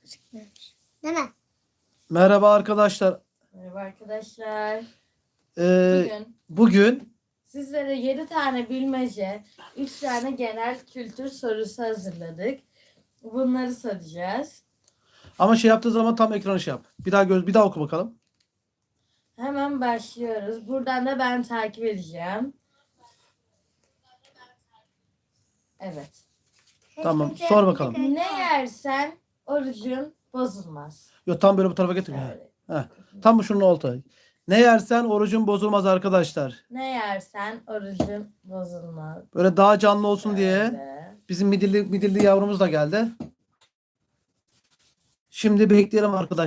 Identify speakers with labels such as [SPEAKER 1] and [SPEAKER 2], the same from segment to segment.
[SPEAKER 1] Değil mi?
[SPEAKER 2] Merhaba arkadaşlar.
[SPEAKER 3] Merhaba arkadaşlar.
[SPEAKER 2] Ee, bugün
[SPEAKER 3] Sizlere 7 tane bilmece, 3 tane genel kültür sorusu hazırladık. Bunları soracağız.
[SPEAKER 2] ama şey yaptığı zaman tam ekranı şey yap. Bir daha oku bakalım.
[SPEAKER 3] Hemen başlıyoruz. Buradan da ben takip edeceğim. Evet.
[SPEAKER 2] Tamam, sor bakalım.
[SPEAKER 3] Ne yersen orucun bozulmaz.
[SPEAKER 2] Yok, tam böyle bu tarafa getir.
[SPEAKER 3] Şöyle.
[SPEAKER 2] Heh. Tam şunun olta. Ne yersen orucun bozulmaz arkadaşlar.
[SPEAKER 3] Ne yersen orucun bozulmaz.
[SPEAKER 2] Böyle daha canlı olsun diye
[SPEAKER 3] Şöyle.
[SPEAKER 2] bizim midilli yavrumuz da geldi. Şimdi bekleyelim arkadaşlar.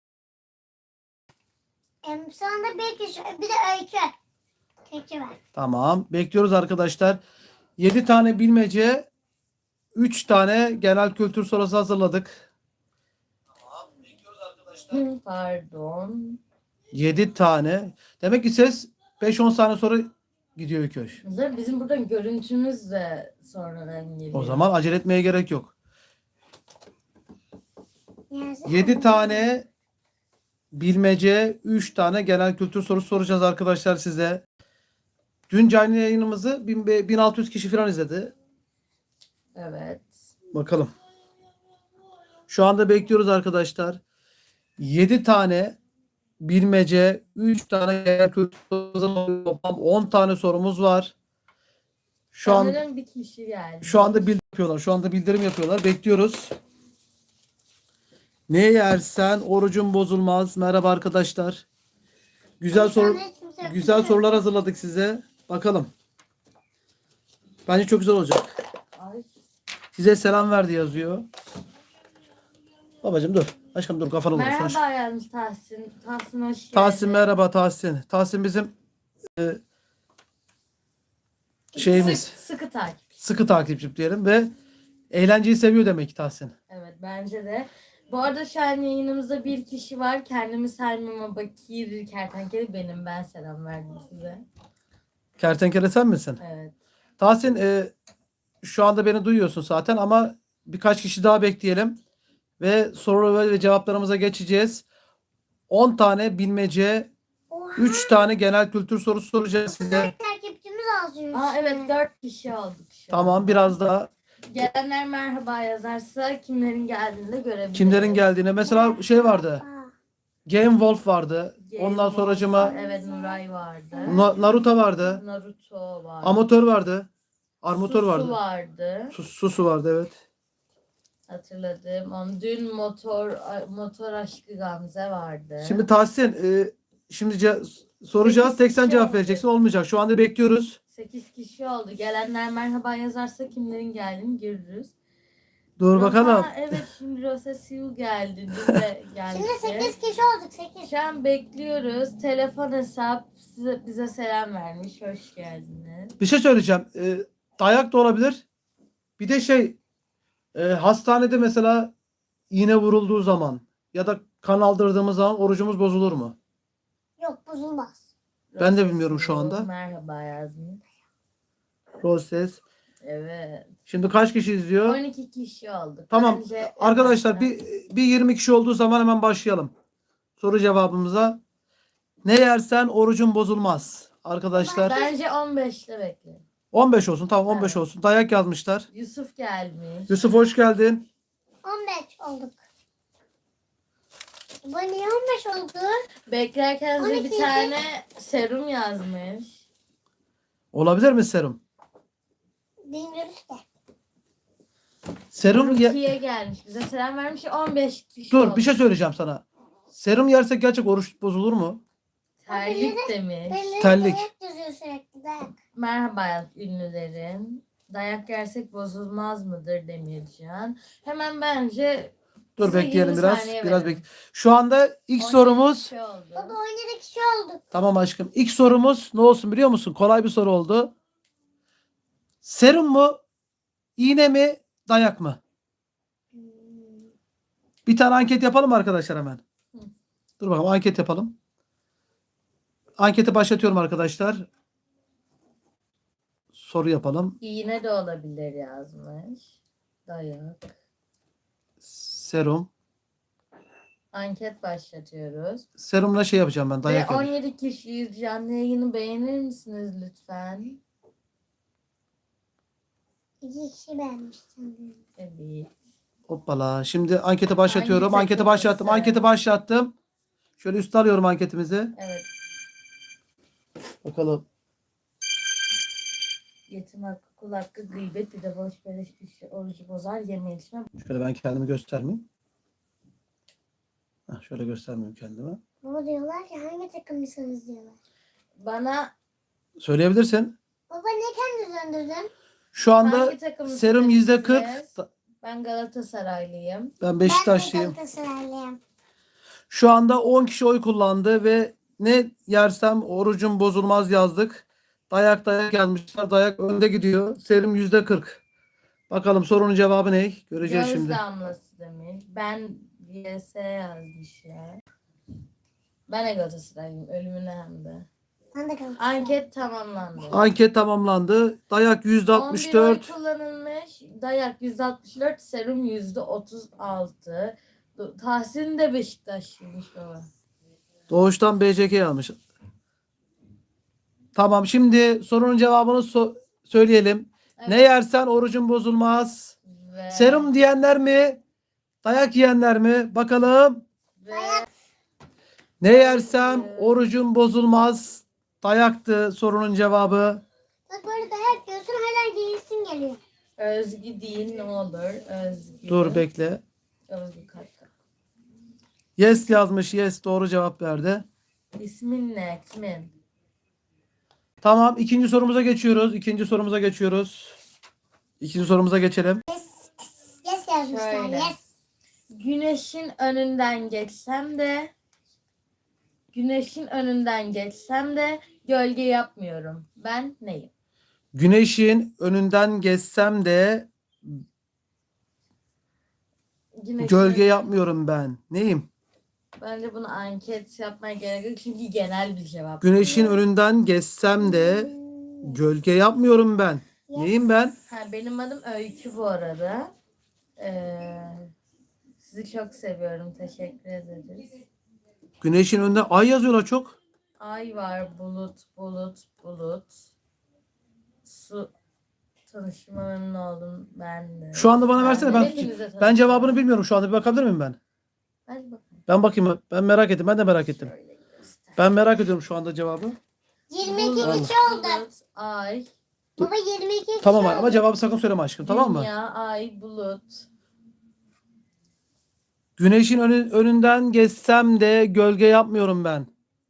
[SPEAKER 1] Sonra bir de öykü. Öykü var.
[SPEAKER 2] Tamam. Bekliyoruz arkadaşlar. 7 tane bilmece, 3 tane genel kültür sorusu hazırladık. Tamam. Bekliyoruz arkadaşlar.
[SPEAKER 3] Pardon.
[SPEAKER 2] 7 tane. Demek ki ses 5-10 saniye sonra gidiyor köş.
[SPEAKER 3] Bizim buradan görüntümüz de sonradan geliyor.
[SPEAKER 2] O zaman acele etmeye gerek yok.
[SPEAKER 1] Yazık.
[SPEAKER 2] 7 tane bilmece, 3 tane genel kültür sorusu soracağız arkadaşlar size. Dün canlı yayınımızı 1600 kişi falan izledi.
[SPEAKER 3] Evet.
[SPEAKER 2] Bakalım. Şu anda bekliyoruz arkadaşlar. 7 tane bilmece, 3 tane genel kültür sorusu, toplam 10 tane sorumuz var.
[SPEAKER 3] Sanırım bir kişi geldi.
[SPEAKER 2] Şu anda bildirim yapıyorlar. Şu anda bildirim yapıyorlar. Bekliyoruz. Ne yersen orucun bozulmaz. Merhaba arkadaşlar. Güzel sorular hazırladık size. Bakalım. Bence çok güzel olacak.
[SPEAKER 3] Ay.
[SPEAKER 2] Size selam verdi yazıyor. Babacığım dur. Aşkım dur, kafanı vurursun.
[SPEAKER 3] Merhaba yazmış Tahsin. Tahsin hoş geldin.
[SPEAKER 2] Tahsin merhaba Tahsin. Tahsin bizim şeyimiz.
[SPEAKER 3] Sıkı takip.
[SPEAKER 2] Sıkı takipçim diyelim ve eğlenceyi seviyor demek ki Tahsin.
[SPEAKER 3] Evet bence de. Bu arada şu an yayınımızda bir kişi var. Kendimi saymama Bakir Kertenkele benim. Ben selam verdim size.
[SPEAKER 2] Kertenkele sen misin?
[SPEAKER 3] Evet.
[SPEAKER 2] Tahsin şu anda beni duyuyorsun zaten ama birkaç kişi daha bekleyelim. Ve soru ve cevaplarımıza geçeceğiz. 10 tane bilmece, 3 tane genel kültür sorusu soracağız size.
[SPEAKER 1] Takipçimiz azıyor.
[SPEAKER 3] Evet 4 kişi olduk şu an.
[SPEAKER 2] Tamam, biraz daha
[SPEAKER 3] Gelenler merhaba yazarsa kimlerin geldiğini de görebiliriz.
[SPEAKER 2] kimlerin geldiğine. Mesela şey vardı. Game Wolf vardı.
[SPEAKER 3] Game
[SPEAKER 2] Ondan
[SPEAKER 3] Wolf
[SPEAKER 2] sonracıma
[SPEAKER 3] var, evet Nuray vardı.
[SPEAKER 2] Naruto vardı.
[SPEAKER 3] Naruto vardı.
[SPEAKER 2] Amatör vardı. Armatör
[SPEAKER 3] Susu
[SPEAKER 2] vardı.
[SPEAKER 3] vardı.
[SPEAKER 2] Susu vardı, evet.
[SPEAKER 3] Hatırladım. Dün motor aşkı Gamze vardı.
[SPEAKER 2] Şimdi Tahsin şimdi soracağız. Tek sen
[SPEAKER 3] kişi
[SPEAKER 2] cevap
[SPEAKER 3] oldu.
[SPEAKER 2] vereceksin. Olmayacak. Şu anda bekliyoruz.
[SPEAKER 3] 8 kişi oldu. Gelenler merhaba yazarsa kimlerin geldiğini görürüz.
[SPEAKER 2] Dur bakalım.
[SPEAKER 3] Evet şimdi Rosa Siu geldi. Dün de geldi.
[SPEAKER 1] Şimdi 8 kişi olduk 8.
[SPEAKER 3] Şu an bekliyoruz. Telefon hesap bize selam vermiş. Hoş geldiniz.
[SPEAKER 2] Bir şey söyleyeceğim. Dayak da olabilir. Bir de hastanede mesela iğne vurulduğu zaman ya da kan aldırdığımız zaman orucumuz bozulur mu?
[SPEAKER 1] Yok bozulmaz.
[SPEAKER 2] Ben de
[SPEAKER 3] Rosa
[SPEAKER 2] bilmiyorum şu
[SPEAKER 3] Siu,
[SPEAKER 2] anda.
[SPEAKER 3] Merhaba yazmış.
[SPEAKER 2] Proses.
[SPEAKER 3] Evet.
[SPEAKER 2] Şimdi kaç kişi izliyor?
[SPEAKER 3] 12 kişi olduk.
[SPEAKER 2] Tamam.
[SPEAKER 3] Bence
[SPEAKER 2] Arkadaşlar bir 20 kişi olduğu zaman hemen başlayalım. Soru cevabımıza. Ne yersen orucun bozulmaz. Arkadaşlar
[SPEAKER 3] Bence 15'te bekle.
[SPEAKER 2] 15 olsun. Tamam, 15
[SPEAKER 3] Evet.
[SPEAKER 2] olsun. Dayak yazmışlar.
[SPEAKER 3] Yusuf gelmiş.
[SPEAKER 2] Yusuf hoş geldin.
[SPEAKER 1] 15 olduk. Bu niye 15 oldu?
[SPEAKER 3] Beklerken size bir
[SPEAKER 1] 12'ydi.
[SPEAKER 3] tane serum yazmış.
[SPEAKER 2] Olabilir mi serum?
[SPEAKER 1] Bilmiyoruz ki.
[SPEAKER 2] Serum
[SPEAKER 3] Rukiye gelmiş. Bize selam vermiş. 15 kişi
[SPEAKER 2] Dur,
[SPEAKER 3] oldu.
[SPEAKER 2] bir şey söyleyeceğim sana. Serum yersek gerçek oruç bozulur mu?
[SPEAKER 3] Terlik demiş.
[SPEAKER 1] Belli
[SPEAKER 2] Terlik.
[SPEAKER 1] dayak yazıyor sürekli dayak.
[SPEAKER 3] Merhaba ünlülerin. Dayak yersek bozulmaz mıdır Demircan. Hemen bence
[SPEAKER 2] Dur
[SPEAKER 3] size
[SPEAKER 2] bekleyelim
[SPEAKER 3] 20
[SPEAKER 2] biraz.
[SPEAKER 3] saniye
[SPEAKER 2] Biraz
[SPEAKER 3] verin.
[SPEAKER 2] Şu anda ilk
[SPEAKER 3] 12
[SPEAKER 2] sorumuz.
[SPEAKER 3] kişi oldu.
[SPEAKER 1] Baba 17 kişi olduk.
[SPEAKER 2] Tamam aşkım. İlk sorumuz ne olsun biliyor musun? Kolay bir soru oldu. Serum mu? İğne mi? Dayak mı? Bir tane anket yapalım arkadaşlar hemen.
[SPEAKER 3] Hı.
[SPEAKER 2] Dur bakalım, anket yapalım. Anketi başlatıyorum arkadaşlar. Soru yapalım.
[SPEAKER 3] İğne de olabilir yazmış. Dayak.
[SPEAKER 2] Serum.
[SPEAKER 3] Anket başlatıyoruz.
[SPEAKER 2] Serumla şey yapacağım ben.
[SPEAKER 3] Ve
[SPEAKER 2] Dayak yedim.
[SPEAKER 3] 17 kişiyiz. Canlı yayını beğenir misiniz lütfen?
[SPEAKER 1] 2 kişi beğenmiştim.
[SPEAKER 3] Evet.
[SPEAKER 2] Hoppala. Şimdi anketi başlatıyorum.
[SPEAKER 3] Hangi
[SPEAKER 2] Anketi başlattım.
[SPEAKER 3] takımlısın?
[SPEAKER 2] Anketi başlattım. Şöyle üste alıyorum anketimizi.
[SPEAKER 3] Evet.
[SPEAKER 2] Bakalım.
[SPEAKER 3] Yetim hakkı, kul hakkı, gıybet, bir de boş beleş kişi orucu bozar, yeme içme.
[SPEAKER 2] Şöyle ben kendimi göstermeyeyim. Heh, şöyle göstermeyeyim kendimi.
[SPEAKER 1] Baba diyorlar ki hangi takımlısınız diyorlar.
[SPEAKER 3] Bana
[SPEAKER 2] Söyleyebilirsin.
[SPEAKER 1] Baba ne kendini döndürdün?
[SPEAKER 2] Şu anda
[SPEAKER 3] hangi takımlısınız
[SPEAKER 2] serum %40.
[SPEAKER 3] siz? Ben Galatasaraylıyım.
[SPEAKER 2] Ben
[SPEAKER 1] Ben de
[SPEAKER 2] Beşiktaşlıyım.
[SPEAKER 1] Galatasaraylıyım.
[SPEAKER 2] Şu anda 10 kişi oy kullandı ve ne yersem orucum bozulmaz yazdık. Dayak gelmişler. Dayak önde gidiyor. Serum %40. Bakalım sorunun cevabı ne? Göreceğiz
[SPEAKER 3] Göz
[SPEAKER 2] şimdi.
[SPEAKER 3] damlası demiş. Ben YS yazmışlar. Ben de Galatasaraylıyım. Ölümüne hem de.
[SPEAKER 1] Ben de Galatasaraylıyım.
[SPEAKER 3] Anket tamamlandı.
[SPEAKER 2] Anket tamamlandı. Dayak
[SPEAKER 3] 11 oy
[SPEAKER 2] %64.
[SPEAKER 3] kullanılmış. Dayak %64. Serum %36. Tahsin de Beşiktaşlıymış baba.
[SPEAKER 2] Doğuştan BCK almış. Tamam, şimdi sorunun cevabını söyleyelim.
[SPEAKER 3] Evet.
[SPEAKER 2] Ne yersen orucun bozulmaz.
[SPEAKER 3] Ve,
[SPEAKER 2] Serum diyenler mi? Dayak yiyenler mi? Bakalım.
[SPEAKER 3] ve
[SPEAKER 2] Ne yersem orucum bozulmaz. Dayaktı sorunun cevabı.
[SPEAKER 1] Bak böyle dayak yiyorsun hala giyesin geliyor.
[SPEAKER 3] Özgü değil ne olur. Özgü.
[SPEAKER 2] Dur bekle.
[SPEAKER 3] Özgü kalk.
[SPEAKER 2] Yes yazmış. Yes doğru cevap verdi.
[SPEAKER 3] İsmin ne? Kimin?
[SPEAKER 2] Tamam, ikinci sorumuza geçiyoruz. İkinci sorumuza geçelim.
[SPEAKER 1] Yes yazmışlar.
[SPEAKER 3] Şöyle.
[SPEAKER 1] Yes.
[SPEAKER 3] Güneşin önünden geçsem de gölge yapmıyorum. Ben neyim?
[SPEAKER 2] Güneşin önünden geçsem de
[SPEAKER 3] Güneşin
[SPEAKER 2] gölge
[SPEAKER 3] önünden-
[SPEAKER 2] yapmıyorum ben. Neyim?
[SPEAKER 3] Bence bunu anket yapmaya gerek yok çünkü genel bir cevap.
[SPEAKER 2] Güneşin önünden geçsem de gölge yapmıyorum ben. Neyim ben?
[SPEAKER 3] Benim adım Öykü bu arada. Sizi çok seviyorum. Teşekkür ederiz.
[SPEAKER 2] Güneşin önünde ay yazıyorlar çok.
[SPEAKER 3] Ay var, bulut. Su. Tanışma memnun oldum ben de.
[SPEAKER 2] Şu anda bana versene, ben
[SPEAKER 3] Hepinize
[SPEAKER 2] ben
[SPEAKER 3] tanıştım.
[SPEAKER 2] cevabını bilmiyorum şu anda. Bir bakabilir miyim ben?
[SPEAKER 3] Hadi bakalım.
[SPEAKER 2] Ben bakayım. Ben merak ettim. Ben de merak ettim.
[SPEAKER 3] Şöyle göster.
[SPEAKER 2] Ben merak ediyorum şu anda cevabı.
[SPEAKER 1] 22
[SPEAKER 3] Bulut,
[SPEAKER 1] kişi oldu.
[SPEAKER 3] ay.
[SPEAKER 1] Baba 22 kişi
[SPEAKER 2] Tamam
[SPEAKER 1] oldu.
[SPEAKER 2] ama cevabı sakın söyleme aşkım, tamam mı?
[SPEAKER 3] Dünya, ay, bulut.
[SPEAKER 2] Güneşin önünden geçsem de gölge yapmıyorum ben.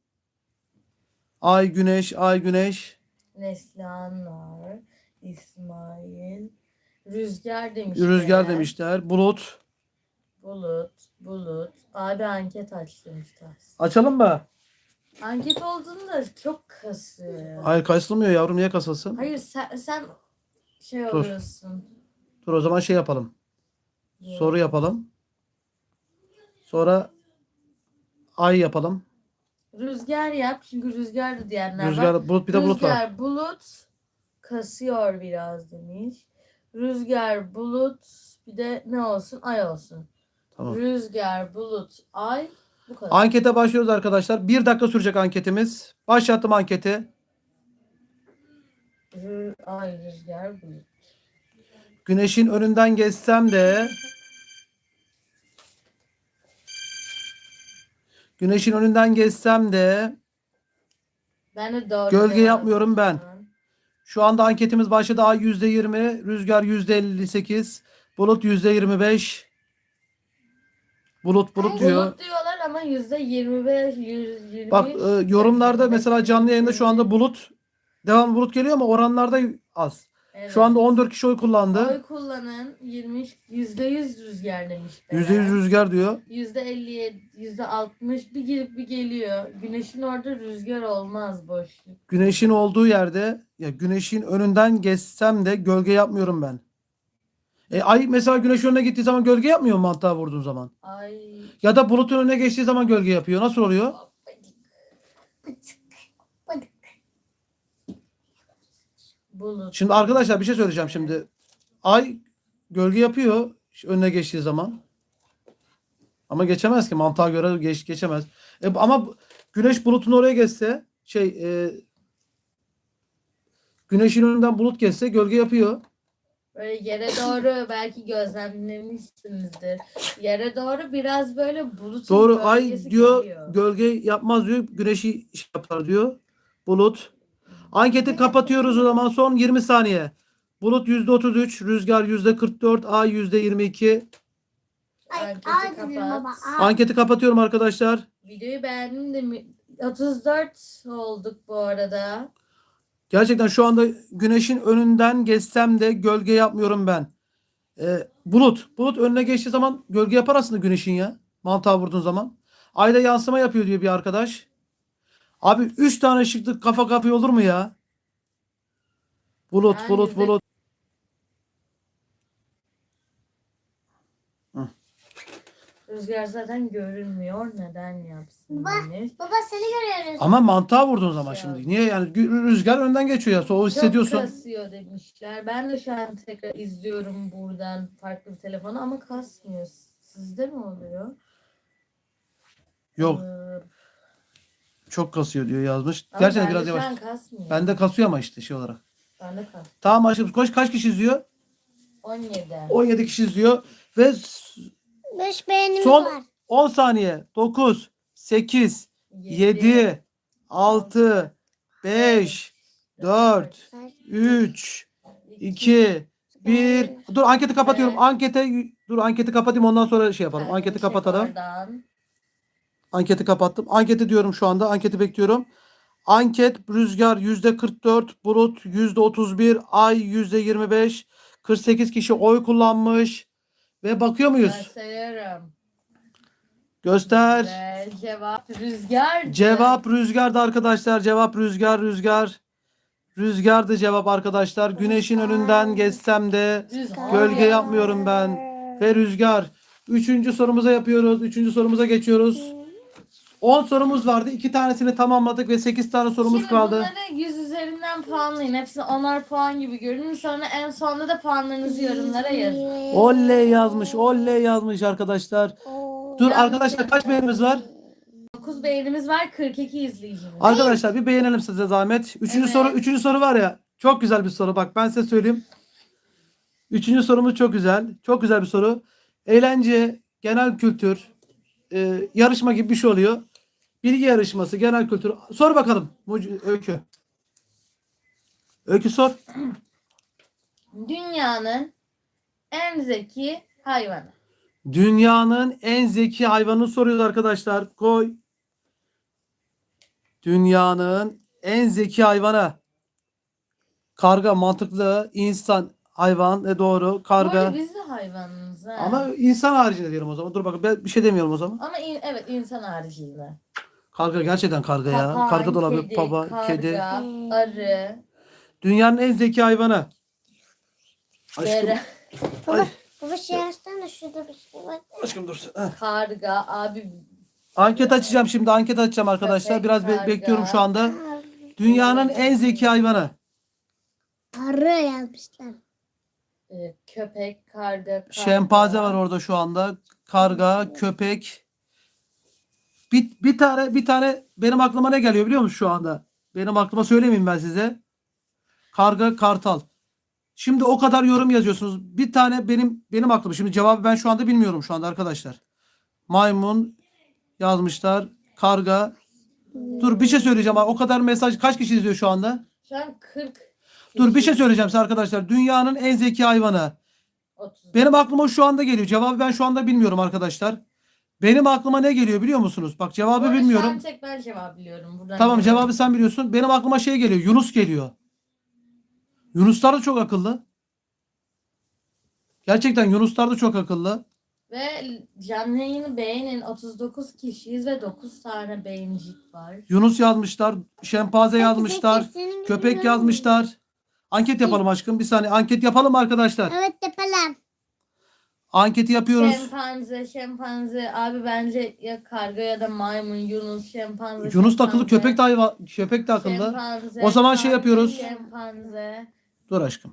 [SPEAKER 2] Ay güneş, ay güneş.
[SPEAKER 3] Neslihan var. İsmail. Rüzgar demişler.
[SPEAKER 2] Rüzgar demişler. Bulut.
[SPEAKER 3] Bulut. Abi anket açmışlar.
[SPEAKER 2] Açalım mı?
[SPEAKER 3] Anket olduğunda çok kasıyor.
[SPEAKER 2] Hayır, kasılmıyor yavrum, niye kasılsın?
[SPEAKER 3] Hayır sen şey
[SPEAKER 2] Dur.
[SPEAKER 3] oluyorsun.
[SPEAKER 2] Dur o zaman şey yapalım. Soru yapalım. Sonra ay yapalım.
[SPEAKER 3] Rüzgar yap çünkü rüzgar da diyenler var.
[SPEAKER 2] Rüzgar, bulut, bir de bulut var.
[SPEAKER 3] Rüzgar, bulut kasıyor biraz demiş. Rüzgar, bulut, bir de ne olsun? Ay olsun.
[SPEAKER 2] Tamam.
[SPEAKER 3] Rüzgar, bulut, ay. Bu kadar.
[SPEAKER 2] Ankete başlıyoruz arkadaşlar. 1 dakika sürecek anketimiz. Başlattım anketi.
[SPEAKER 3] Ay, rüzgar, bulut.
[SPEAKER 2] Güneşin önünden geçsem de
[SPEAKER 3] Ben de doğru
[SPEAKER 2] gölge
[SPEAKER 3] cevap
[SPEAKER 2] yapmıyorum ben.
[SPEAKER 3] yazdım.
[SPEAKER 2] Şu anda anketimiz başladı. Ay %20, rüzgar %58, bulut %25. Bulut diyor.
[SPEAKER 3] Bulut diyorlar ama %25, 120.
[SPEAKER 2] Bak yorumlarda mesela canlı yayında şu anda bulut, devam bulut geliyor ama oranlarda az.
[SPEAKER 3] Evet.
[SPEAKER 2] Şu anda 14 kişi oy kullandı.
[SPEAKER 3] Oy kullanın %100 rüzgar demişler.
[SPEAKER 2] %100 rüzgar diyor.
[SPEAKER 3] %57, %60 bir girip bir geliyor. Güneşin orada rüzgar olmaz boşluk.
[SPEAKER 2] Güneşin olduğu yerde, ya güneşin önünden geçsem de gölge yapmıyorum ben. Ay mesela güneş önüne gittiği zaman gölge yapmıyor mu mantığa vurduğun zaman?
[SPEAKER 3] Ay.
[SPEAKER 2] Ya da bulutun önüne geçtiği zaman gölge yapıyor. Nasıl oluyor?
[SPEAKER 1] Bıdık.
[SPEAKER 3] Bulut.
[SPEAKER 2] Şimdi arkadaşlar bir şey söyleyeceğim şimdi. Ay gölge yapıyor önüne geçtiği zaman. Ama geçemez ki. Mantığa göre geçemez. Ama güneş bulutun oraya geçse güneşin önünden bulut geçse gölge yapıyor.
[SPEAKER 3] Böyle yere doğru belki gözlemlemişsinizdir. Yere doğru biraz böyle bulutun
[SPEAKER 2] Doğru. Ay
[SPEAKER 3] gölgesi
[SPEAKER 2] diyor
[SPEAKER 3] geliyor.
[SPEAKER 2] gölge yapmaz diyor. Güneşi şey yapar diyor. Bulut. Anketi kapatıyoruz o zaman. Son 20 saniye. Bulut %33, rüzgar %44, ay %22.
[SPEAKER 1] Ay,
[SPEAKER 3] Anketi
[SPEAKER 1] ay dedim
[SPEAKER 3] kapat.
[SPEAKER 1] baba. Ay.
[SPEAKER 2] Anketi kapatıyorum arkadaşlar.
[SPEAKER 3] Videoyu beğendim de 34 olduk bu arada.
[SPEAKER 2] Gerçekten şu anda güneşin önünden geçsem de gölge yapmıyorum ben. Bulut önüne geçtiği zaman gölge yapar aslında güneşin ya. Mantığa vurduğun zaman. Ayda yansıma yapıyor diyor bir arkadaş. Abi 3 tane ışıklık kafa kafaya olur mu ya? Bulut,
[SPEAKER 3] Yani
[SPEAKER 2] bulut,
[SPEAKER 3] bizde-
[SPEAKER 2] bulut.
[SPEAKER 3] Rüzgar zaten görünmüyor. Neden yapsın?
[SPEAKER 1] Bak.
[SPEAKER 3] Yani?
[SPEAKER 1] Baba seni görüyoruz.
[SPEAKER 2] Ama mantığa vurduğun zaman
[SPEAKER 3] Şey
[SPEAKER 2] şimdi.
[SPEAKER 3] oldu.
[SPEAKER 2] Niye yani rüzgar önden geçiyor ya. O
[SPEAKER 3] Çok
[SPEAKER 2] hissediyorsun.
[SPEAKER 3] kasıyor demişler. Ben de şu an tekrar izliyorum buradan farklı bir telefonu ama kasmıyor. Sizde mi oluyor?
[SPEAKER 2] Yok,
[SPEAKER 3] Ee,
[SPEAKER 2] çok kasıyor diyor yazmış.
[SPEAKER 3] ama
[SPEAKER 2] Gerçekten
[SPEAKER 3] bende
[SPEAKER 2] biraz
[SPEAKER 3] şu
[SPEAKER 2] yavaş.
[SPEAKER 3] an kasmıyor.
[SPEAKER 2] Bende kasıyor ama işte şey olarak.
[SPEAKER 3] Bende kas.
[SPEAKER 2] Tamam aşkım. Kaç kişi izliyor?
[SPEAKER 3] 17.
[SPEAKER 2] 17 kişi izliyor. Ve
[SPEAKER 1] 5 beğenimiz
[SPEAKER 2] son
[SPEAKER 1] var.
[SPEAKER 2] 10 saniye. 9, 8, 7, 6, 5, 4, 3, 2, 1. Dur anketi kapatıyorum.
[SPEAKER 3] Evet.
[SPEAKER 2] Anketi kapatayım ondan sonra şey yapalım.
[SPEAKER 3] Ben
[SPEAKER 2] Anketi
[SPEAKER 3] çek
[SPEAKER 2] kapatalım.
[SPEAKER 3] oradan.
[SPEAKER 2] Anketi kapattım. Anketi diyorum şu anda. Anketi bekliyorum. Anket rüzgar %44, bulut %31, ay %25, 48 kişi oy kullanmış. Ve bakıyor
[SPEAKER 3] Ben
[SPEAKER 2] muyuz?
[SPEAKER 3] sayıyorum.
[SPEAKER 2] Göster.
[SPEAKER 3] Ve cevap rüzgardı.
[SPEAKER 2] Cevap rüzgardı arkadaşlar. Cevap rüzgar. Rüzgardı cevap arkadaşlar. Güneşin önünden geçsem de
[SPEAKER 3] Rüzgar.
[SPEAKER 2] gölge yapmıyorum ben. Ve rüzgar. Üçüncü sorumuza yapıyoruz. Üçüncü sorumuza geçiyoruz. 10 sorumuz vardı. 2 tanesini tamamladık ve 8 tane sorumuz
[SPEAKER 3] Şimdi
[SPEAKER 2] kaldı.
[SPEAKER 3] bunları 100 üzerinden puanlayın. Hepsini 10'ar puan gibi görünür. Sonra en sonunda da puanlarınızı yorumlara yazın.
[SPEAKER 2] Oley yazmış arkadaşlar. Dur arkadaşlar kaç beğenimiz var?
[SPEAKER 3] 9 beğenimiz var, 42 izleyicimiz.
[SPEAKER 2] Arkadaşlar bir beğenelim size zahmet.
[SPEAKER 3] Evet.
[SPEAKER 2] Üçüncü soru var ya. Çok güzel bir soru. Bak ben size söyleyeyim. Üçüncü sorumuz çok güzel. Çok güzel bir soru. Eğlence, genel kültür, yarışma gibi bir şey oluyor. Bilgi yarışması, genel kültür. Sor bakalım Öykü. Öykü sor.
[SPEAKER 3] Dünyanın en zeki hayvanı.
[SPEAKER 2] Dünyanın en zeki hayvanını soruyoruz arkadaşlar. Koy. Dünyanın en zeki hayvanı. Karga mantıklı. İnsan hayvan. Doğru.
[SPEAKER 3] Bu
[SPEAKER 2] Karga.
[SPEAKER 3] arada biz de hayvanız ha.
[SPEAKER 2] Ama insan haricinde diyelim o zaman. Dur bakın ben bir şey demiyorum o zaman.
[SPEAKER 3] Ama evet, insan haricinde.
[SPEAKER 2] Karga gerçekten karga ya.
[SPEAKER 3] Papağan,
[SPEAKER 2] Karga da olabilir.
[SPEAKER 3] kedi,
[SPEAKER 2] Baba,
[SPEAKER 3] karga,
[SPEAKER 2] kedi.
[SPEAKER 3] arı,
[SPEAKER 2] Dünyanın en zeki hayvanı. Aşkım.
[SPEAKER 3] dere,
[SPEAKER 2] Ay,
[SPEAKER 1] Baba şey açsana şurada bir şey var.
[SPEAKER 2] aşkım dur. Heh.
[SPEAKER 3] karga, abi
[SPEAKER 2] Anket açacağım şimdi. Anket açacağım arkadaşlar.
[SPEAKER 3] Köpek,
[SPEAKER 2] Biraz
[SPEAKER 3] karga.
[SPEAKER 2] bekliyorum şu anda. Dünyanın en zeki hayvanı.
[SPEAKER 1] Arı yazmışlar.
[SPEAKER 3] köpek, karga,
[SPEAKER 2] Şempanze var orada şu anda. Karga, köpek. Bir tane benim aklıma ne geliyor biliyor musun şu anda? Benim aklıma söylemeyeyim ben size. Karga, kartal. Şimdi o kadar yorum yazıyorsunuz. Bir tane benim aklıma. Şimdi cevabı ben şu anda bilmiyorum şu anda arkadaşlar. Maymun yazmışlar. Karga. Dur bir şey söyleyeceğim. O kadar mesaj kaç kişi izliyor şu anda?
[SPEAKER 3] Şu an 40.
[SPEAKER 2] Dur bir şey söyleyeceğim size arkadaşlar. Dünyanın en zeki hayvanı.
[SPEAKER 3] 30.
[SPEAKER 2] Benim aklıma şu anda geliyor. Cevabı ben şu anda bilmiyorum arkadaşlar. Benim aklıma ne geliyor biliyor musunuz? Bak
[SPEAKER 3] Bu
[SPEAKER 2] cevabı
[SPEAKER 3] arada Şu
[SPEAKER 2] bilmiyorum.
[SPEAKER 3] an tek ben cevap biliyorum. Buradan
[SPEAKER 2] Tamam
[SPEAKER 3] görüyorum.
[SPEAKER 2] cevabı sen biliyorsun. Benim aklıma şey geliyor. Yunus geliyor. Yunuslar da çok akıllı. Gerçekten Yunuslar da çok akıllı.
[SPEAKER 3] Ve canlı yayını beğenin. 39 kişiyiz ve 9 tane beğenicik var.
[SPEAKER 2] Yunus yazmışlar. Şempanze yazmışlar.
[SPEAKER 1] Senin
[SPEAKER 2] Köpek
[SPEAKER 1] gibi
[SPEAKER 2] yazmışlar. Anket yapalım aşkım. Bir saniye. Anket yapalım mı arkadaşlar?
[SPEAKER 1] Evet yapalım.
[SPEAKER 2] Anketi yapıyoruz.
[SPEAKER 3] Şempanze. Abi bence ya karga ya da maymun, Yunus, şempanze.
[SPEAKER 2] Yunus da akıllı.
[SPEAKER 3] şempanze,
[SPEAKER 2] Köpek de akıllı.
[SPEAKER 3] şempanze,
[SPEAKER 2] O zaman şey
[SPEAKER 3] karga,
[SPEAKER 2] yapıyoruz.
[SPEAKER 3] Şempanze.
[SPEAKER 2] Dur aşkım.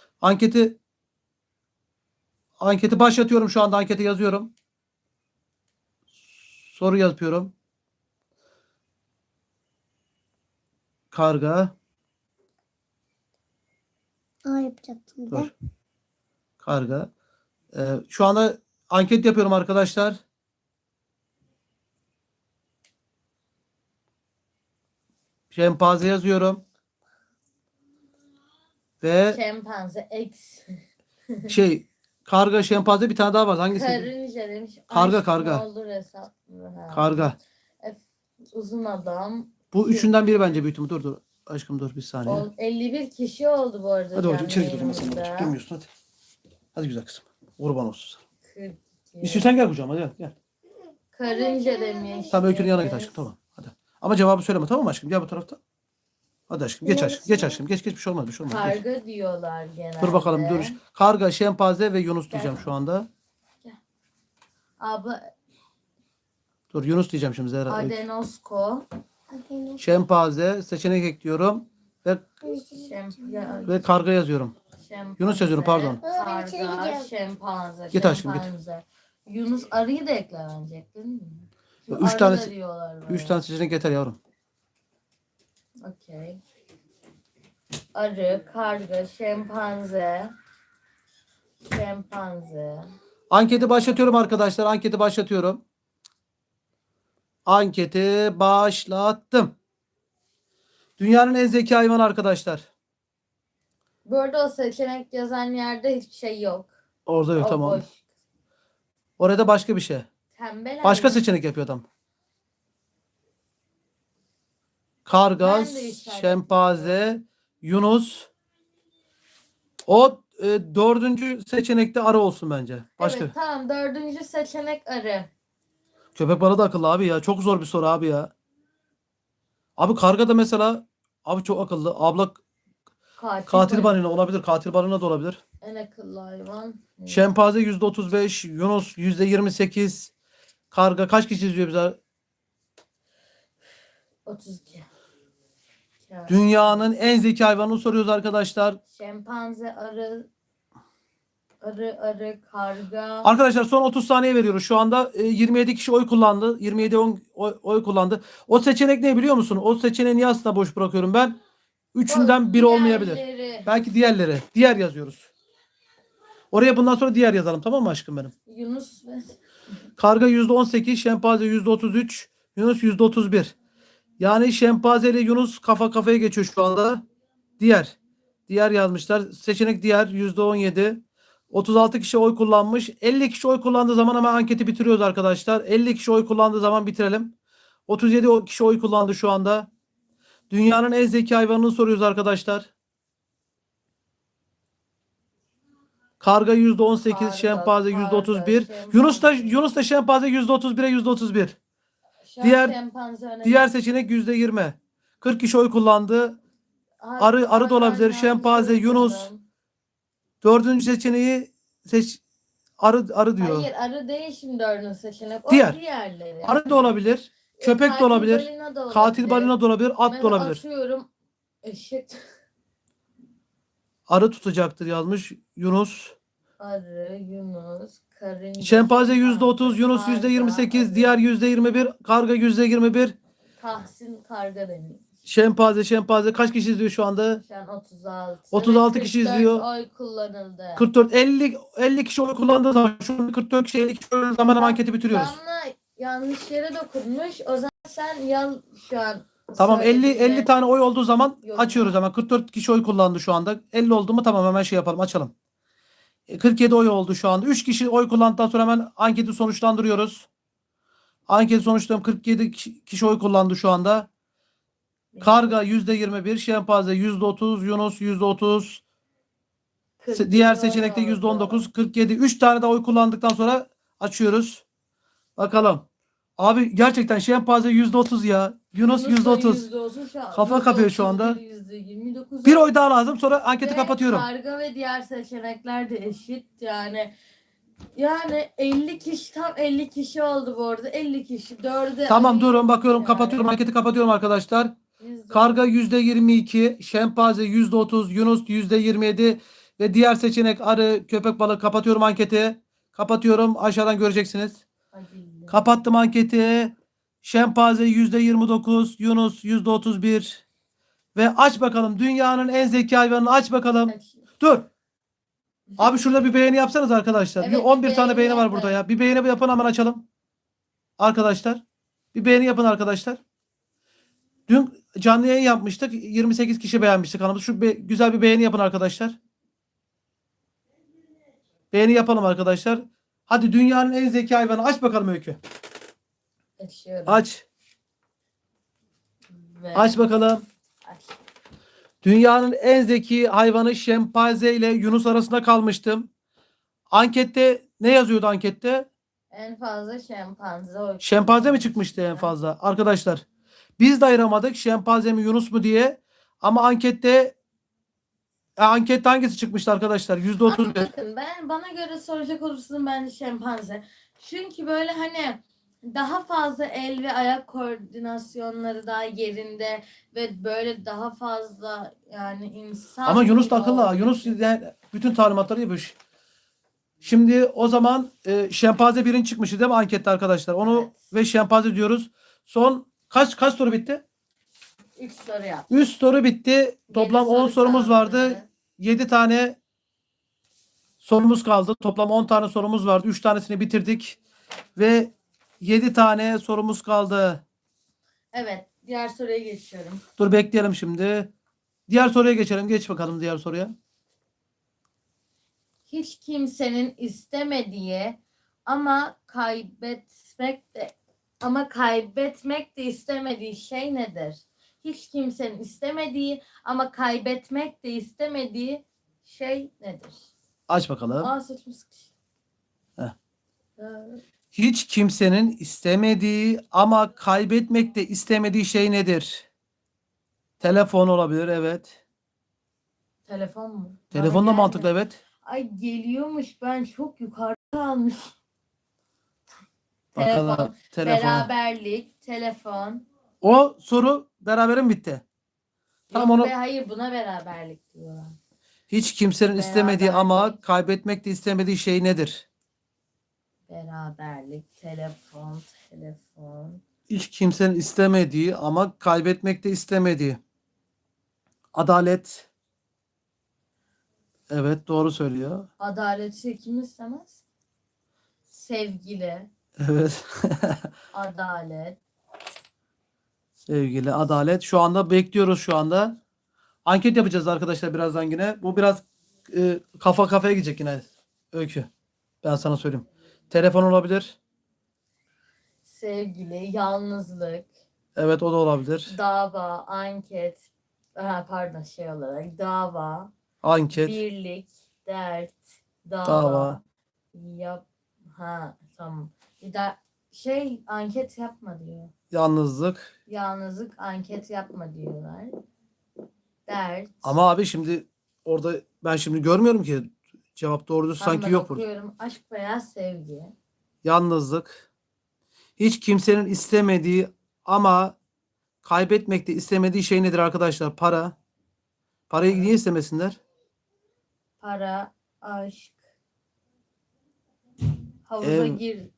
[SPEAKER 2] Anketi başlatıyorum şu anda. Anketi yazıyorum. Soru yapıyorum. Karga.
[SPEAKER 1] A yapacaktım bir
[SPEAKER 2] Dur.
[SPEAKER 1] de.
[SPEAKER 2] Karga. Şu anda anket yapıyorum arkadaşlar. Şempanze yazıyorum. Ve
[SPEAKER 3] Şempanze X.
[SPEAKER 2] karga, şempanze bir tane daha var. Hangisi?
[SPEAKER 3] Karınca demiş.
[SPEAKER 2] Karga,
[SPEAKER 3] Aşk
[SPEAKER 2] karga.
[SPEAKER 3] Ne olur hesap mı? Ha.
[SPEAKER 2] Karga.
[SPEAKER 3] Uzun adam.
[SPEAKER 2] Bu üçünden biri bence büyük ihtimalle. Dur. Aşkım dur bir saniye.
[SPEAKER 3] 51 kişi oldu bu arada.
[SPEAKER 2] Hadi babacığım
[SPEAKER 3] canlı
[SPEAKER 2] içeri gir o zaman sen
[SPEAKER 3] yayınımızda.
[SPEAKER 2] babacığım. Durmuyorsun hadi. Hadi güzel kızım. Kurban olsun sana.
[SPEAKER 3] 42.
[SPEAKER 2] İstiyorsan gel kucağıma gel. Gel.
[SPEAKER 3] Karınca demiş.
[SPEAKER 2] Tamam Öykü'nün yanına git aşkım tamam. Hadi. Ama cevabı söyleme tamam mı aşkım? Gel bu tarafta. Hadi aşkım geç aşkım. Geç aşkım. Geç bir şey olmaz bir şey olmaz. Geç.
[SPEAKER 3] Karga diyorlar genelde.
[SPEAKER 2] Dur bakalım dur. Karga, şempanze ve Yunus diyeceğim şu anda.
[SPEAKER 3] Abla
[SPEAKER 2] Dur Yunus diyeceğim şimdi Zehra.
[SPEAKER 3] Adenosko.
[SPEAKER 2] Şempanze seçenek ekliyorum ve karga yazıyorum. Yunus yazıyorum, pardon.
[SPEAKER 1] Baba, ben içeri
[SPEAKER 3] Karga,
[SPEAKER 1] gidiyorum.
[SPEAKER 3] şempanze.
[SPEAKER 2] Git aşkım, git.
[SPEAKER 3] şempanze. Yunus arıyı da eklenecek değil mi?
[SPEAKER 2] Üç
[SPEAKER 3] Arı da
[SPEAKER 2] tanesi-
[SPEAKER 3] diyorlar böyle.
[SPEAKER 2] 3 tane seçenek yeter yavrum.
[SPEAKER 3] Okey. Arı, karga, şempanze. Şempanze.
[SPEAKER 2] Anketi başlatıyorum arkadaşlar. Anketi başlatıyorum. Anketi başlattım. Dünyanın en zeki hayvanı arkadaşlar.
[SPEAKER 3] Bu arada o seçenek yazan yerde hiçbir şey yok.
[SPEAKER 2] Orada yok
[SPEAKER 3] O
[SPEAKER 2] tamam.
[SPEAKER 3] boş.
[SPEAKER 2] Orada başka bir şey.
[SPEAKER 3] Tembel
[SPEAKER 2] Başka
[SPEAKER 3] hayvan.
[SPEAKER 2] seçenek yapıyor adam. Karga,
[SPEAKER 3] Ben de işaret
[SPEAKER 2] şempanze, Yunus. O dördüncü seçenekte arı olsun bence. Başka.
[SPEAKER 3] Evet tamam, dördüncü seçenek arı.
[SPEAKER 2] Köpek balığı da akıllı abi ya. Çok zor bir soru abi ya. Abi karga da mesela abi çok akıllı. Abla katil balina olabilir. Katil balina da olabilir.
[SPEAKER 3] En akıllı hayvan.
[SPEAKER 2] Şempanze %35, Yunus %28. Karga kaç kişi izliyor bize?
[SPEAKER 3] 32.
[SPEAKER 2] Dünyanın en zeki hayvanını soruyoruz arkadaşlar.
[SPEAKER 3] Şempanze, arı, karga.
[SPEAKER 2] Arkadaşlar son 30 saniye veriyoruz. Şu anda 27 kişi oy kullandı. 27 oy kullandı. O seçenek ne biliyor musun? O seçeneği niye aslında boş bırakıyorum ben? Üçünden biri olmayabilir.
[SPEAKER 3] Diğerleri.
[SPEAKER 2] Belki diğerleri. Diğer yazıyoruz. Oraya bundan sonra diğer yazalım tamam mı aşkım benim?
[SPEAKER 3] Yunus ve
[SPEAKER 2] Karga %18, şempanze %33, Yunus %31. Yani şempanze ile Yunus kafa kafaya geçiyor şu anda. Diğer. Diğer yazmışlar. Seçenek diğer %17. 36 kişi oy kullanmış. 50 kişi oy kullandığı zaman hemen anketi bitiriyoruz arkadaşlar. 50 kişi oy kullandığı zaman bitirelim. 37 kişi oy kullandı şu anda. Dünyanın en zeki hayvanını soruyoruz arkadaşlar. Karga %18,
[SPEAKER 3] Karga,
[SPEAKER 2] şempanze %31.
[SPEAKER 3] şempanze.
[SPEAKER 2] Yunus da şempanze %31'e %31.
[SPEAKER 3] şu an
[SPEAKER 2] Diğer-
[SPEAKER 3] şempanze önemli.
[SPEAKER 2] Diğer seçenek %20. 40 kişi oy kullandı. arı da olabilir,
[SPEAKER 3] Aynen,
[SPEAKER 2] şempanze,
[SPEAKER 3] yanlış
[SPEAKER 2] Yunus.
[SPEAKER 3] yazdım.
[SPEAKER 2] Dördüncü seçeneği arı diyor.
[SPEAKER 3] Hayır, arı değil şimdi dördüncü seçenek. O
[SPEAKER 2] Diğer.
[SPEAKER 3] diğerleri.
[SPEAKER 2] Arı da olabilir. Köpek de
[SPEAKER 3] Katil
[SPEAKER 2] olabilir.
[SPEAKER 3] balina da
[SPEAKER 2] Katil
[SPEAKER 3] olabilir.
[SPEAKER 2] balina da olabilir. At
[SPEAKER 3] Ben
[SPEAKER 2] da olabilir.
[SPEAKER 3] atıyorum. Eşit.
[SPEAKER 2] Arı tutacaktır yazmış Yunus.
[SPEAKER 3] Arı, Yunus, karınca.
[SPEAKER 2] Şempanze %30, Yunus
[SPEAKER 3] karga,
[SPEAKER 2] %28,
[SPEAKER 3] arı.
[SPEAKER 2] diğer %21, karga %21.
[SPEAKER 3] Tahsin karga demiş.
[SPEAKER 2] Şempanze kaç kişi izliyor şu anda?
[SPEAKER 3] Şu an 36.
[SPEAKER 2] 36
[SPEAKER 3] Ve
[SPEAKER 2] kişi
[SPEAKER 3] 44
[SPEAKER 2] izliyor.
[SPEAKER 3] oy kullanıldı.
[SPEAKER 2] 44 50 kişi oy kullandığı zaman şu an 44 kişi 50 kişi oy kullandığı zaman anketi bitiriyoruz.
[SPEAKER 3] Damla yanlış yere dokunmuş. O zaman sen şu an
[SPEAKER 2] Tamam 50
[SPEAKER 3] söylediğinde-
[SPEAKER 2] tane oy olduğu zaman
[SPEAKER 3] Yorum.
[SPEAKER 2] açıyoruz hemen. 44 kişi oy kullandı şu anda. 50 oldu mu tamam hemen şey yapalım açalım. 47 oy oldu şu anda. 3 kişi oy kullandıktan sonra hemen anketi sonuçlandırıyoruz. Anketi sonuçlandı. 47 kişi oy kullandı şu anda. Karga %21, şempanze %30, Yunus %30.
[SPEAKER 3] 47
[SPEAKER 2] Diğer
[SPEAKER 3] oy
[SPEAKER 2] seçenekte
[SPEAKER 3] oldu.
[SPEAKER 2] %19, 47. 3 tane de oy kullandıktan sonra açıyoruz. Bakalım. Abi gerçekten şempanze %30 ya. Yunus
[SPEAKER 3] da
[SPEAKER 2] %30.
[SPEAKER 3] %30 şu an.
[SPEAKER 2] Kafa kapıyor şu anda.
[SPEAKER 3] %29.
[SPEAKER 2] Bir oy daha lazım sonra anketi
[SPEAKER 3] Ve
[SPEAKER 2] kapatıyorum.
[SPEAKER 3] Karga ve diğer seçenekler de eşit yani 50 kişi tam 50 kişi oldu bu arada. 50 kişi 4'e
[SPEAKER 2] Tamam durun bakıyorum
[SPEAKER 3] yani.
[SPEAKER 2] kapatıyorum anketi kapatıyorum arkadaşlar. Karga %22, şempanze %30, Yunus %27 ve diğer seçenek arı, köpek balığı kapatıyorum anketi. Kapatıyorum aşağıdan göreceksiniz.
[SPEAKER 3] Hadi.
[SPEAKER 2] Kapattım anketi. Şempanze %29, Yunus %31. Ve aç bakalım dünyanın en zeki hayvanını aç bakalım. Dur. Abi şurada bir beğeni yapsanız arkadaşlar.
[SPEAKER 3] Evet,
[SPEAKER 2] 11
[SPEAKER 3] bir
[SPEAKER 2] tane beğeni var
[SPEAKER 3] yapın.
[SPEAKER 2] burada ya. Bir beğeni yapın hemen açalım. Arkadaşlar. Bir beğeni yapın arkadaşlar. Dün canlı yayın yapmıştık. 28 kişi beğenmişti kanalımızı. Güzel bir beğeni yapın arkadaşlar. Beğeni yapalım arkadaşlar. Hadi dünyanın en zeki hayvanı aç bakalım Öykü.
[SPEAKER 3] Açıyorum.
[SPEAKER 2] Aç.
[SPEAKER 3] Ve
[SPEAKER 2] Aç bakalım.
[SPEAKER 3] aç.
[SPEAKER 2] Dünyanın en zeki hayvanı şempanze ile Yunus arasında kalmıştım. Ankette ne yazıyordu ankette?
[SPEAKER 3] En fazla şempanze o.
[SPEAKER 2] Şempanze mi çıkmıştı en fazla? Arkadaşlar biz de ayıramadık şempanze mi Yunus mu diye. Ama ankette hangisi çıkmıştı arkadaşlar?
[SPEAKER 3] Ama
[SPEAKER 2] %31.
[SPEAKER 3] bakın bana göre soracak olursun bence şempanze. Çünkü böyle hani daha fazla el ve ayak koordinasyonları daha yerinde ve böyle daha fazla yani insan
[SPEAKER 2] Ama Yunus da
[SPEAKER 3] gibi
[SPEAKER 2] akıllı ha.
[SPEAKER 3] olduğu
[SPEAKER 2] Yunus
[SPEAKER 3] için.
[SPEAKER 2] yani bütün talimatları yapıyor. Şimdi o zaman şempanze birinci çıkmıştı değil mi ankette arkadaşlar? Onu
[SPEAKER 3] Evet.
[SPEAKER 2] ve şempanze diyoruz. Son kaç soru bitti?
[SPEAKER 3] 3 soru yap.
[SPEAKER 2] 3 soru bitti. Toplam
[SPEAKER 3] Yedi
[SPEAKER 2] 10
[SPEAKER 3] soru
[SPEAKER 2] sorumuz
[SPEAKER 3] kaldı.
[SPEAKER 2] vardı. 7 tane sorumuz kaldı. Toplam 10 tane sorumuz vardı. 3 tanesini bitirdik. Ve 7 tane sorumuz kaldı.
[SPEAKER 3] Evet, diğer soruya geçiyorum.
[SPEAKER 2] Dur bekleyelim şimdi. Diğer soruya geçelim. Geç bakalım diğer soruya.
[SPEAKER 3] Hiç kimsenin istemediği ama kaybetmek de istemediği şey nedir? Hiç kimsenin istemediği ama kaybetmek de istemediği şey nedir?
[SPEAKER 2] Aç bakalım.
[SPEAKER 3] Aa saçım sıkış.
[SPEAKER 2] Heh. Hiç kimsenin istemediği ama kaybetmek de istemediği şey nedir? Telefon olabilir, evet.
[SPEAKER 3] Telefon mu?
[SPEAKER 2] Telefon da
[SPEAKER 3] Bana
[SPEAKER 2] mantıklı,
[SPEAKER 3] gelmedi.
[SPEAKER 2] evet.
[SPEAKER 3] Ay geliyormuş, ben çok yukarıda kalmış.
[SPEAKER 2] Bakalım. Telefon.
[SPEAKER 3] Beraberlik, telefon.
[SPEAKER 2] O soru beraber mi bitti? Tamam,
[SPEAKER 3] Yok
[SPEAKER 2] onu
[SPEAKER 3] be, hayır, buna beraberlik diyorlar.
[SPEAKER 2] hiç kimsenin istemediği ama
[SPEAKER 3] Beraberlik.
[SPEAKER 2] kaybetmek de istemediği şey nedir?
[SPEAKER 3] Beraberlik, telefon.
[SPEAKER 2] Hiç kimsenin istemediği ama kaybetmek de istemediği. Adalet. Evet, doğru söylüyor.
[SPEAKER 3] Adaleti kim istemez? Sevgili,
[SPEAKER 2] Evet.
[SPEAKER 3] adalet.
[SPEAKER 2] Sevgili adalet. Şu anda bekliyoruz şu anda. Anket yapacağız arkadaşlar birazdan yine. Bu biraz kafa kafaya gidecek yine Öykü. Ben sana söyleyeyim. Telefon olabilir.
[SPEAKER 3] Sevgili, yalnızlık,
[SPEAKER 2] Evet, o da olabilir.
[SPEAKER 3] dava, anket. Pardon, şey olarak dava,
[SPEAKER 2] Anket,
[SPEAKER 3] birlik, dert, dava.
[SPEAKER 2] dava.
[SPEAKER 3] Tamam. Bir de anket yapma diyor.
[SPEAKER 2] Yalnızlık.
[SPEAKER 3] Yalnızlık, anket yapma diyorlar. Dert.
[SPEAKER 2] Ama abi şimdi orada ben şimdi görmüyorum ki cevap doğrudur sanki
[SPEAKER 3] Ben
[SPEAKER 2] yok burada.
[SPEAKER 3] okuyorum. Aşk veya sevgi.
[SPEAKER 2] Yalnızlık. Hiç kimsenin istemediği ama kaybetmek de istemediği şey nedir arkadaşlar? Para. Parayı
[SPEAKER 3] Para.
[SPEAKER 2] niye istemesinler?
[SPEAKER 3] Para, aşk. Havuza
[SPEAKER 2] Ev.
[SPEAKER 3] gir.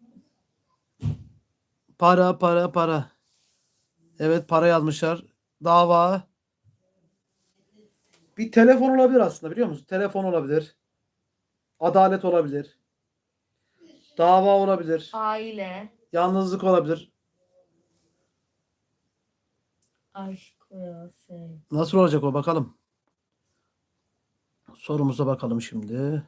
[SPEAKER 2] Para. Evet, para yazmışlar. Dava. Bir telefon olabilir aslında, biliyor musun? Telefon olabilir. Adalet olabilir. Dava olabilir.
[SPEAKER 3] Aile,
[SPEAKER 2] Yalnızlık olabilir.
[SPEAKER 3] aşk veya sevgi.
[SPEAKER 2] Nasıl olacak o, bakalım. Sorumuza bakalım şimdi.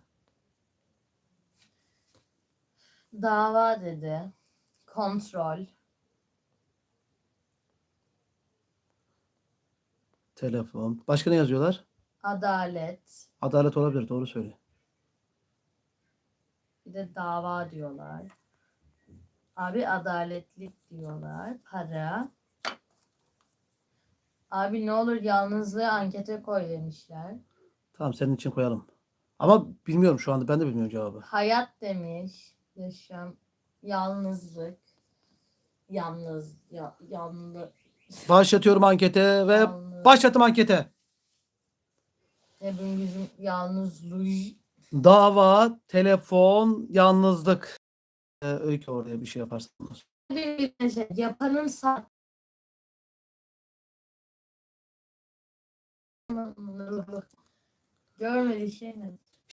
[SPEAKER 3] Dava dedi. Kontrol.
[SPEAKER 2] Telefon. Başka ne yazıyorlar?
[SPEAKER 3] Adalet.
[SPEAKER 2] Adalet olabilir, doğru söylüyor.
[SPEAKER 3] Bir de dava diyorlar. Abi adaletlik diyorlar. Para. Abi ne olur yalnızlığı ankete koy demişler.
[SPEAKER 2] Tamam, senin için koyalım. Ama bilmiyorum şu anda, ben de bilmiyorum cevabı.
[SPEAKER 3] Hayat demiş. Yaşam. Yalnızlık. Yalnız.
[SPEAKER 2] Başlatıyorum ankete ve
[SPEAKER 3] Yalnız.
[SPEAKER 2] başlattım ankete.
[SPEAKER 3] Hepimizin yalnızlığı.
[SPEAKER 2] Dava, telefon, yalnızlık. Öykü oraya bir şey yaparsın.
[SPEAKER 3] Bir bilmece. Yapanın sağ. Görmediği şey ne?